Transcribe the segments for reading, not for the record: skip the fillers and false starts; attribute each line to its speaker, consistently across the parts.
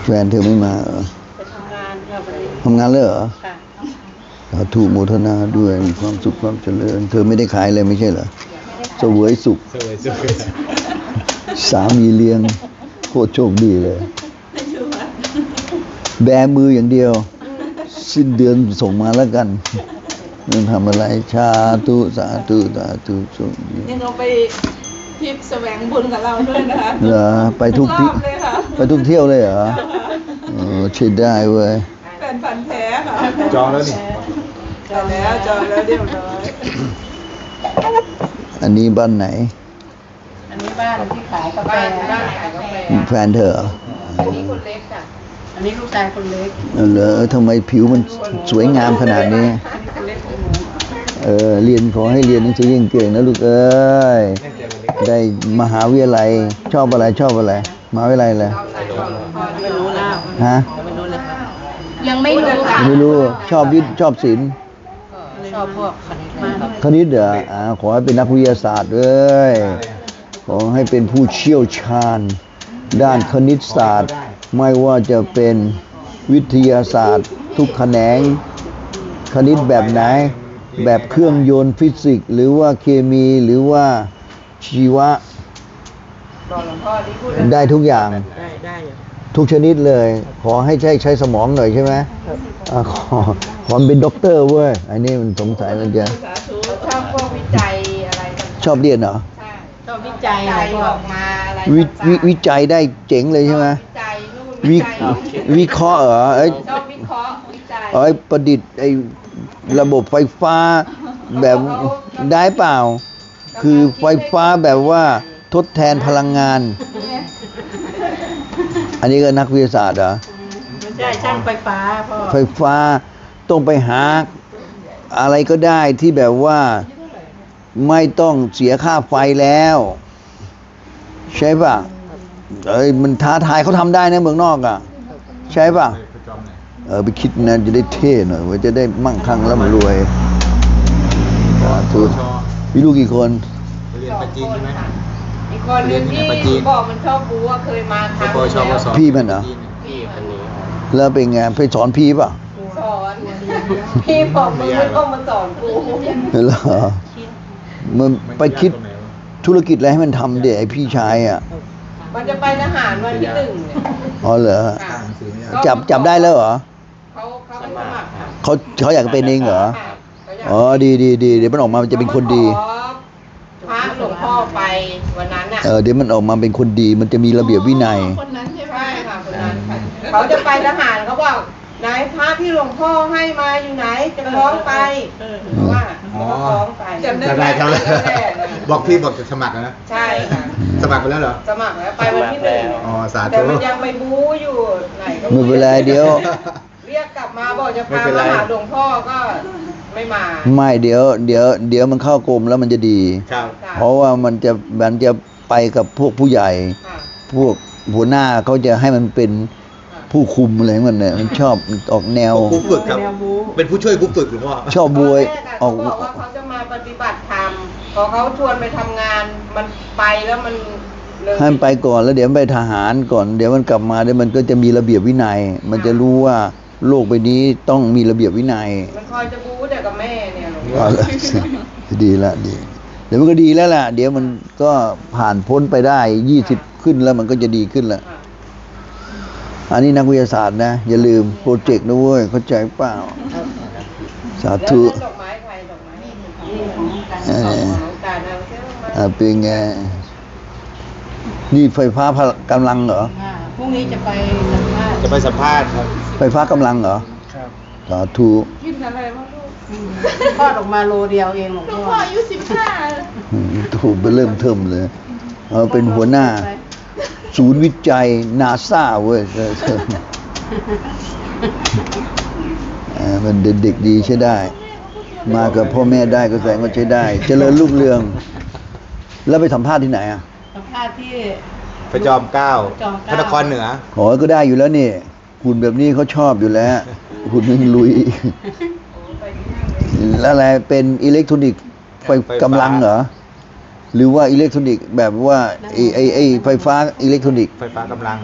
Speaker 1: นเธอไม่มาเหรอ
Speaker 2: ไปทำงานค่ะวันนี้
Speaker 1: ทำงานเลยเหรอ
Speaker 2: ค่ะ
Speaker 1: สาธุโมทนาด้วยมีความสุขความเจริญเธอไม่ได้ขายเลยไม่ใช่เหรอเสวยสุขสามีเลี้ยงโคตรโชคดีเลยแบมืออย่างเดียวสิ้นเดือนส่งมาแล้วกันมันทำอะไรชาตุสาธุสาธุโชคดี
Speaker 2: ยังเอาไปทริปแสวงบุญกับเราด้วยนะคะ
Speaker 1: เหรอไปทุกที่ไปทุกเที่ยวเลยเหรอใช่ได้เว้ย
Speaker 2: แฟนพันธุ์แท้ค่ะ
Speaker 3: จองแล้วนี่
Speaker 2: จองแล้วเรียบร้อย
Speaker 1: อันนี้บ้านไหน
Speaker 2: อันนี้บ้านที่ขายกาแฟบ้านขายกาแฟ
Speaker 1: แฟนเธอเหรอ
Speaker 2: อันนี้คนเล็กจ้ะอันนี้ลูกชายคนเล็ก
Speaker 1: เหรอทำไมผิวมันสวยงามขนาดนี้เรียนขอให้เรียนหนังสือเก่งๆนะลูกเอ้ยได้มหาวิทยาลัยชอบอะไรมหาวิทยาลัยอะไร
Speaker 2: ไม่รู้นะ
Speaker 1: ฮะ
Speaker 2: ไม่รู้เลยยังไม่รู้ค่ะ
Speaker 1: ไม่รู้ชอบวิทย์ชอบศิลป์
Speaker 2: ชอบพวก
Speaker 1: คณิตเหรอขอให้เป็นนักวิทยาศาสตร์เลยขอให้เป็นผู้เชี่ยวชาญด้านคณิตศาสตร์ไม่ว่าจะเป็นวิทยาศาสตร์ทุกแขนงคณิตแบบไหนแบบเครื่องยนต์ฟิสิกส์หรือว่าเคมีหรือว่าชีวะได้ทุกอย่าง
Speaker 2: ได้
Speaker 1: ทุกชนิดเลยขอให้ใช้สมองหน่อยใช่ไหมขอเป็นด็อกเตอร์เว้ยอันนี้มันสงสัยมันจะ
Speaker 2: ชอบพวกวิจัยอะไร
Speaker 1: ชอบเรียนเหรอ
Speaker 2: ชอบวิจัยออกมาอะไร
Speaker 1: วิจัยได้เจ๋งเลยใช่ไหมวิเคราะห์เหรอ
Speaker 2: ชอบวิเคราะห์วิจัย
Speaker 1: ประดิษฐ์ระบบไฟฟ้าแบบได้เปล่าคือไฟฟ้าแบบว่าทดแทนพลังงานอันนี้ก็นักวิทยาศาสตร์เหรอ
Speaker 2: ไม่ใช่ช่างไฟฟ้าพ่อ
Speaker 1: ไฟฟ้าต้องไปหาอะไรก็ได้ที่แบบว่าไม่ต้องเสียค่าไฟแล้วใช่ป่ะมันท้าทายเขาทำได้นะเมืองนอกอ่ะใช่ป่ะไปคิดนะจะได้เท่หน่อยว่าจะได้มั่งคั่งร่ำรวยถูกมีลูกกี่คน
Speaker 3: เรียนปัจจีนใช่ไหม
Speaker 2: อีกคนนึงที่บอกมันชอบบูว่าเคยมาทำ
Speaker 1: พี่มันเหรอ
Speaker 3: พี่คนนี้
Speaker 1: แล้วเป็นไงไปสอนพี่ป่ะ
Speaker 2: สอนพี่บอกมึงไม่ต้องมาสอนกู
Speaker 1: เหรอมันไปคิดธุรกิจอะไรให้มันทำเดี๋ยวไอพี่ชายอ่ะ
Speaker 2: มันจะไปทหารวันที่1เนี่ย
Speaker 1: อ๋อเหรอจับได้แล้วเหรอ
Speaker 2: เขาสมัคร
Speaker 1: เขาอยากเป็นเองเหรออ๋อดีเดี๋ยวมันออกมามันจะเป็นคนดี
Speaker 2: พระหลวงพ่อไปวันนั้นน่ะ
Speaker 1: เดี๋ยวมันออกมาเป็นคนดีมันจะมีระเบียบวินัย
Speaker 2: คนนั้นใช่ไหมค่ะคนนั้นเขาจะไปทหารเขาบอกนายพระที่หลวงพ่อให้มาอยู่ไหนจะฟ้องไปว่าเขาฟ้องไป
Speaker 3: จำได้บอกพี่บอกจะสมัครนะ
Speaker 2: ใช่ค่ะ
Speaker 3: สมัครไปแล้วเหรอ
Speaker 2: สมัครแล้วไปวันที่1
Speaker 3: อ๋อสาธุ
Speaker 2: แต่มันยังไม่บู๊อยู่ไหนก็
Speaker 1: ไม่เป็นไรเดี๋ยว
Speaker 2: เรียกกลับมาบอกจะพามาหาหลวงพ่อก็ไม่มา
Speaker 1: ไม่เดี๋ยวมันเข้ากรมแล้วมันจะดีเพราะว่ามันจะไปกับพวกผู้ใหญ่พวกหัวหน้าเขาจะให้มันเป็นผู้คุมอะไรมันเนี่ยมันชอบออกแนว
Speaker 3: ครูฝึกครับเป็นผู้ช่วยครูฝึกหรือว่า
Speaker 1: ชอบบวย
Speaker 2: ออกบอกว่าเขาจะมาปฏิบัติธรรมพอเขาชวนไปทำงานมันไปแล้วมัน
Speaker 1: ให้มันไปก่อนแล้วเดี๋ยวไปทหารก่อนเดี๋ยวมันกลับมาเดี๋ยวมันก็จะมีระเบียบวินัยมันจะรู้ว่าโลกใบนี้ต้องมีระเบียบวินัย
Speaker 2: มันคอยจะบู๊แต่กับแม่เนี่ยหลวง
Speaker 1: ดีละดีเดี๋ยวมันก็ดีแล้วล่ะเดี๋ยวมันก็ผ่านพ้นไปได้20ขึ้นแล้วมันก็จะดีขึ้นแล้วอันนี้นักวิทยาศาสตร์นะอย่าลืมโปรเจกต์นะเว้ยเข้าใจเปล่าสาธุ
Speaker 2: ดอกไม้ใครดอกไม้
Speaker 1: เป็นไงนี่ไฟฟ้ากำลังเหรอ
Speaker 2: พรุ่งนี้จะไปสั
Speaker 3: มภาษณ์ครับ
Speaker 1: ไฟฟ้ากำลังเหรอ
Speaker 3: ครับ
Speaker 1: สาธุ
Speaker 2: กินอะไรบ้างลูกทอดออกมาโลเดียวเองหลวงพ่ออายุ15
Speaker 1: ถูกไปเริ่มเทิมเลยเป็นหัวหน้าศูนย์วิจัยนาซาเว้ยมันเด็กดีใช้ได้มากับพ่อแม่ได้ก็แสดงว่าใช้ได้เจริญรุ่งเรืองแล้วไปสัมภาษณ์ที่ไหนอ่ะ
Speaker 2: สัมภาษณ์ที่
Speaker 3: พระจอมเกล้าพระนครเหนือ
Speaker 1: ขอก็ได้อยู่แล้วนี่หุ่นแบบนี้เขาชอบอยู่แล้วหุ่นนึงลุยแล้วอะไรเป็นอิเล็กทรอนิกส์ไฟกำลังเหรอหรือว่าอิเล็กทรอนิกส์แบบว่าไฟฟ้าอิเล็กทรอนิกส์
Speaker 3: ไฟฟ้ากำลัง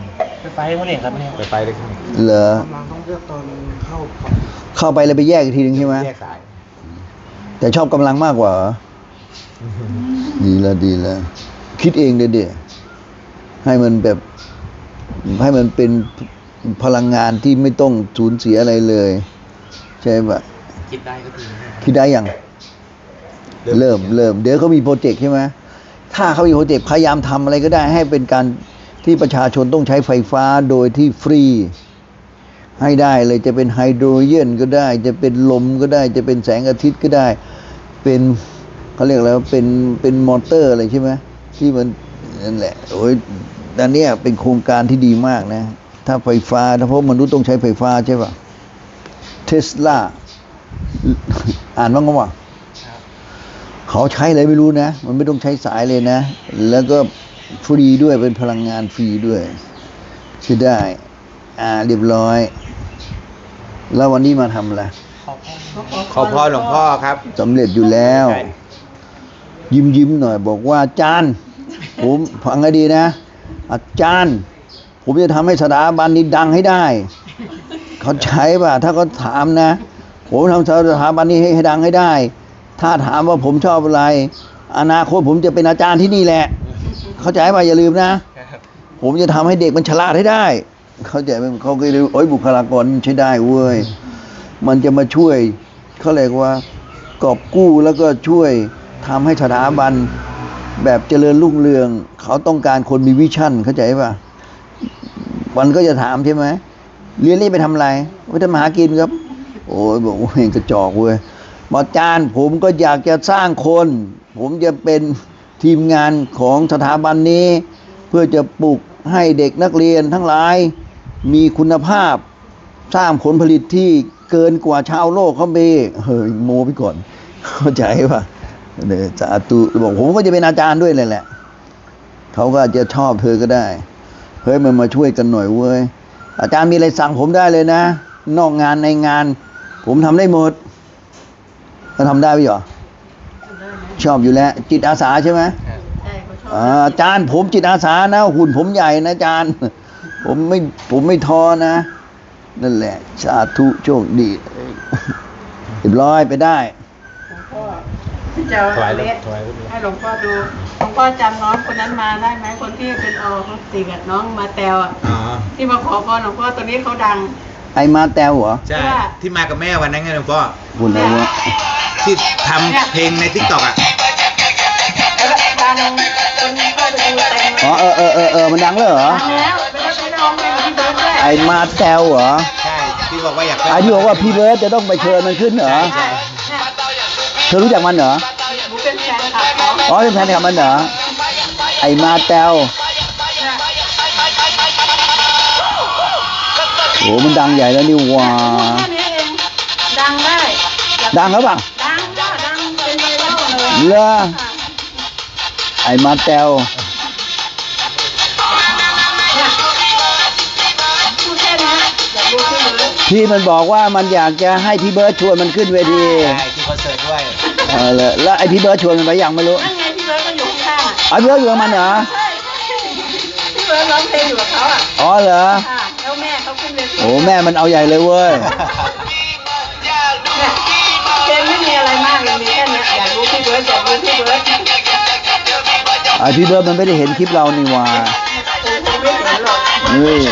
Speaker 4: ไปเขาเรียกครับเนี่ย
Speaker 3: ไปเลยครับ
Speaker 1: เหรอ
Speaker 4: กำลังต้องเลือกตอนเข้า
Speaker 1: เข้าไปแล้วไปแยกอีกทีหนึ่งใช่ไหม
Speaker 3: แยกสาย
Speaker 1: แต่ชอบกำลังมากกว่าเหรอดีแล้วคิดเองเด็ดให้มันแบบให้มันเป็นพลังงานที่ไม่ต้องสูญเสียอะไรเลยใช่ปะ
Speaker 4: คิดได้ก็ดีนะ
Speaker 1: คิดได้ยังเริ่มเดี๋ยวเขามีโปรเจกต์ใช่ไหมถ้าเขามีโปรเจกต์พยายามทำอะไรก็ได้ ให้เป็นการที่ประชาชนต้องใช้ไฟฟ้าโดยที่ฟรีให้ได้เลยจะเป็นไฮโดรเจนก็ได้ จะเป็นลมก็ได้ จะเป็นแสงอาทิตย์ก็ได้ เป็นเขาเรียกแล้วเป็นมอเตอร์อะไรใช่ไหมที่มันนั่นแหละโอ้ยอันเนี้ยเป็นโครงการที่ดีมากนะ ถ้าไฟฟ้าถ้าเพราะมนุษย์ต้องใช้ไฟฟ้าใช่ป่ะเทสลาอ่านบ้างก็ว่าเขาใช้อะไรไม่รู้นะ มันไม่ต้องใช้สายเลยนะ แล้วก็ฟรีด้วยเป็นพลังงานฟรีด้วยใช่ได้ เรียบร้อย แล้ววันนี้มาทำอะไร
Speaker 3: ขอพ่อหลวงพ่อครับ
Speaker 1: สำเร็จอยู่แล้ว
Speaker 3: ใช่
Speaker 1: ยิ้มหน่อยบอกว่าอาจารย์ ผมฟังให้ดีนะ อาจารย์ ผมจะทำให้สถาบันนี้ดังให้ได้ เขาใช้ป่ะ ถ้าเขาถามนะ ผมทำสถาบันนี้ให้ดังให้ได้ ถ้าถามว่าผมชอบอะไร อนาคตผมจะเป็นอาจารย์ที่นี่แหละ เข้าใจป่ะอย่าลืมนะ ผมจะทำให้เด็กมันฉลาดให้ได้ เข้าใจไหมเขาก็เลยโอ้ยบุคลากรมันใช้ได้เว้ย มันจะมาช่วยเขาเรียกว่ากอบกู้แล้วก็ช่วยทำให้สถาบันแบบเจริญรุ่งเรือง เขาต้องการคนมีวิชั่นเข้าใจป่ะมันก็จะถามใช่ไหมเรียนนี่ไปทำอะไรไปทำมาหากินครับ โอ้ยบอกว่าเองกระจอกเว้ยอาจารย์ผมก็อยากจะสร้างคน ผมจะเป็นทีมงานของสถาบันนี้ เพื่อจะปลุกให้เด็กนักเรียนทั้งหลายมีคุณภาพ สร้างผลผลิตที่เกินกว่าชาวโลกเขาไปเฮ้ยโมไปก่อน เข้าใจป่ะเดี๋ยวสาธุบอกผมก็จะเป็นอาจารย์ด้วยเลยแหละเขาก็อาจจะชอบเธอก็ได้เฮ้ยมันมาช่วยกันหน่อยเว้ยอาจารย์มีอะไรสั่งผมได้เลยนะนอกงานในงาน ผมทำได้หมดก็ทำได้ไหมหรอชอบอยู่แล้ว จิตอาสาใช่ไหม
Speaker 2: ใช่เขาชอบ
Speaker 1: อาจารย์ผมจิตอาสานะหุ่นผมใหญ่นะอาจารย์ ผมไม่ท้อนะนั่นแหละสาธุโชคดีเรียบร้อยไปได้
Speaker 2: หลวงพ่อเจ้า
Speaker 3: ถวาย
Speaker 2: เล็ด
Speaker 3: ถวาย
Speaker 2: ให้หลวงพ่อดูหลวงพ่อจำน้องคนนั้นมาได้ไหมคนที่เป็นติกับน้องมาแตวอ่ะ
Speaker 3: อ๋อ
Speaker 2: ที่มาขอพรหลวงพ่อตัวนี้เขาดัง
Speaker 1: ไอมาแตวเหรอ
Speaker 3: ใช่ ที่มากับแม่วันนั้นไงหลวงพ่อ
Speaker 1: คุณอะไรวะ
Speaker 3: ที่ทำเพลงในทิกตอกอ่ะ
Speaker 2: แล้วดังคนเข้าไปดูเต็มเลย
Speaker 1: อ๋อมันดังเลยเหรอ
Speaker 2: ดังแล้วไปร้องเพลงกับพี่เบิร์ดด้วย
Speaker 1: ไอมาแตวเหรอ
Speaker 3: ใช่ ที่บอกว่าอยาก
Speaker 1: ไอที่บอกว่าพี่เบิร์ดจะต้องไปเชิญมันขึ้นเหรอ
Speaker 3: ใช่
Speaker 2: เนี่ย
Speaker 1: เธอรู้จักมันเหรอ
Speaker 2: หนูเป็นแฟนคลับเขา
Speaker 1: อ๋อเป็นแฟนคลับมันเหรอไอมาแตว
Speaker 2: เนี่ย
Speaker 1: โหมันดังใหญ่แล้วนี่หว่า
Speaker 2: แค่นี้เองดังได้
Speaker 1: ดังหรือเปล่า
Speaker 2: ดังจ้ะดังเป็นไวรัลเลย
Speaker 1: เหรอ ไอมาแตว
Speaker 2: เนี่ยพูดแค่นี้อยากดูพี่เบิร์ด
Speaker 1: ที่มันบอกว่ามันอยากจะให้พี่เบิร์ดชวนมันขึ้นเวที
Speaker 3: ใช่ที่คอนเสิร์ตด้วย
Speaker 1: แล้วไอพี่เบิร์ดชวนมันไปยังไม่รู้
Speaker 2: นั่นไงพี่เบิร์ดก็อยู่ข้างๆอ่ะ
Speaker 1: ไอพี่เบิร์ดอยู่กับมันเหรอ
Speaker 2: ใช่พี่เบิร์ดร้องเพลงอยู่กับเขาอ่ะ
Speaker 1: อ๋อเหรอ
Speaker 2: ค่ะแล้วแม่เขาขึ้นเวที
Speaker 1: โอ้แม่มันเอาใหญ่เลยเว้ย
Speaker 2: เนี่ยเพลงไม่มีอะไรมากเลยมีแค่เนี้ยอยากดูพี่เบิร์ดอยากดูพี่เบิร์ด
Speaker 1: ไอพี่เบิร์ดมันไม่ได้เห็นคลิปเรานี่หว่า
Speaker 2: ผมไม่เห็นหรอก
Speaker 1: เฮ้ย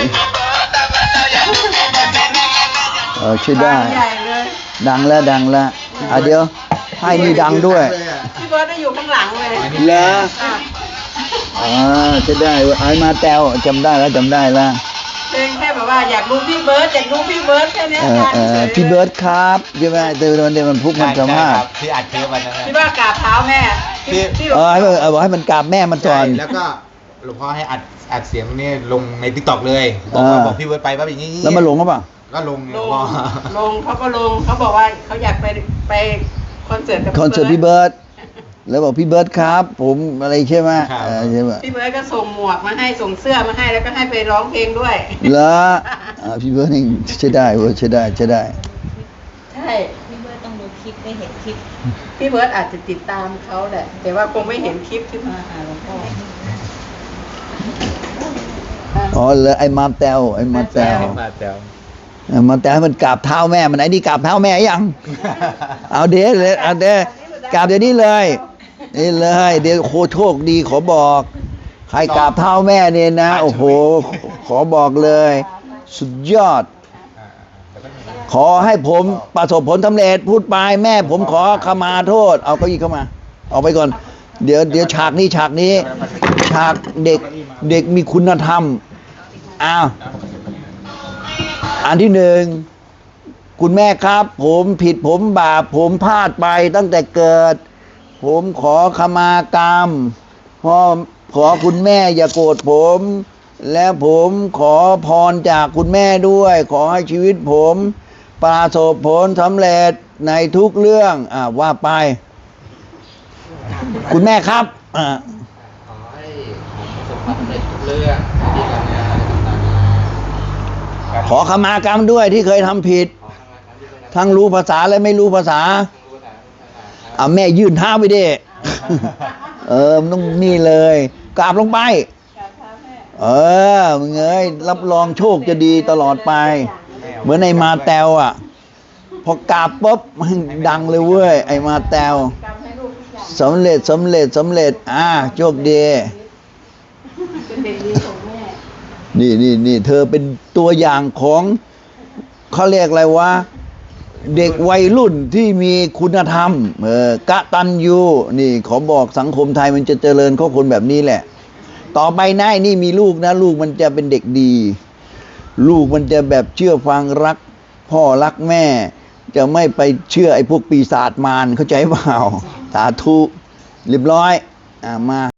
Speaker 1: ใช่ได้
Speaker 2: ใหญ่เลย
Speaker 1: ดังแล้วเดี๋ยวให้นี่ดังด้วย
Speaker 2: พี่เบิร์ดได้อยู่ข้างหลังเลย
Speaker 1: เหรอ
Speaker 2: ค่ะ
Speaker 1: จะได้เว้ยไอมาแตวจำได้แล้ว
Speaker 2: เพลงแค่แบบว่าอยากดูพี่เบิร์ดอยากดูพี่เบิร์ดแค่เนี้ยค่ะฉยๆ
Speaker 1: พี่เบิร์ดครับใช่ไหมเดี๋ยวมันพุกมันสัมภาษณ์
Speaker 3: ที่อัดเทปวันนั้น
Speaker 2: ที่ว่ากราบเท้าแม่ที่หลวง
Speaker 1: บอกให้มันกราบแม่มันก่
Speaker 3: ใช่
Speaker 1: อน
Speaker 3: แล้วก็หลวงพ่อให้อัดเสียงนี่ลงในทิกตอกเลยบอกพี่เวิร์ดไปว่าอย่างนี้
Speaker 1: แล้วมาลงก็ปล่ะ
Speaker 3: ก็ลงไง
Speaker 2: ล
Speaker 3: หลว
Speaker 2: ง
Speaker 3: งพ่อ
Speaker 2: ลงเขาก็ลงเขาบอกว่าเขาอยากไปคอนเสิร์ตกับ
Speaker 1: คอนเสิร์ตพี่เบิร์ดแล้วบอกพี่เบิร์ดครับ ผมอะไรใช่ไหมใช่ไหม
Speaker 2: พี่เบิร์ดก็ส่งหมวกมาให้ส่งเสื้อมาให้แล้วก็ให้ไปร้องเพลงด้วย
Speaker 1: เหรอพี่เบิร์ดนี่ใช่ได้เว้ยใช่ได้
Speaker 2: ใช่
Speaker 5: พี่เบิร์ดต้องดูคลิปได้เห็นคลิป
Speaker 2: พี่เบิร์ดอาจจะติดตามเขาแหละแต่ว่าคงไม่เห็นคลิปที่มา
Speaker 5: หลวงพ่อ
Speaker 1: อ๋อเลยไอ้มาแตวไอ้มาแตว
Speaker 3: มาแตว
Speaker 1: มาแตวให้มันกราบเท้าแม่มันไอ้นี่กราบเท้าแม่ยัง เอาเดี๋ยวเลยเอาเดี๋ยวกราบเดี๋ยวนี้เลยนี่เลยเดี๋ยวโคโชคดีขอบอก ใครกราบเท้าแม่เนี่ยนะ โอ้โห ขอบอกเลย สุดยอด ขอให้ผมประสบผลสำเร็จพูดไปแม่ผมขอขมาโทษ เอาเก้าอี้เข้ามาเอาไปก่อน เดี๋ยวฉากนี้ฉากเด็กมีคุณธรรมอ้าวอันที่หนึ่งคุณแม่ครับ ผมผิดผมบาปผมพลาดไปตั้งแต่เกิด ผมขอขมากรรมขอคุณแม่อย่าโกรธผม และผมขอพรจากคุณแม่ด้วย ขอให้ชีวิตผมประสบผลสำเร็จในทุกเรื่องว่าไป คุณแม่ครับ
Speaker 4: ขอให้ผมประสบความสำเร็จทุกเรื่องที่การงานต่าง
Speaker 1: ขอขมากรรมด้วยที่เคยทำผิด
Speaker 4: ๆขอทำงานที่เป็น
Speaker 1: ทั้งรู้ภาษาและไม่รู้ภาษา
Speaker 4: รู้ภาษาครับ
Speaker 1: แม่ยื่นเท้าไปดิ มันต้องนี่เลยกราบลงไป มึงเอ้ยรับรองโชคจะดีตลอดไป เหมือนไอ้มาแตวพอกราบปุ๊บมันดังเลยเว้ยไอ้มาแตวสำเร็จโชคดีนี่เธอเป็นตัวอย่างของเขาเรียกอะไรวะเด็กวัยรุ่นที่มีคุณธรรมกตัญญูนี่ขอบอกสังคมไทยมันจะเจริญข้อคนแบบนี้แหละต่อไปนะนี่มีลูกนะลูกมันจะเป็นเด็กดี ลูกมันจะแบบเชื่อฟังรักพ่อรักแม่จะไม่ไปเชื่อไอ้พวกปีศาจมารเข้าใจเปล่าสาธุเรียบร้อยมา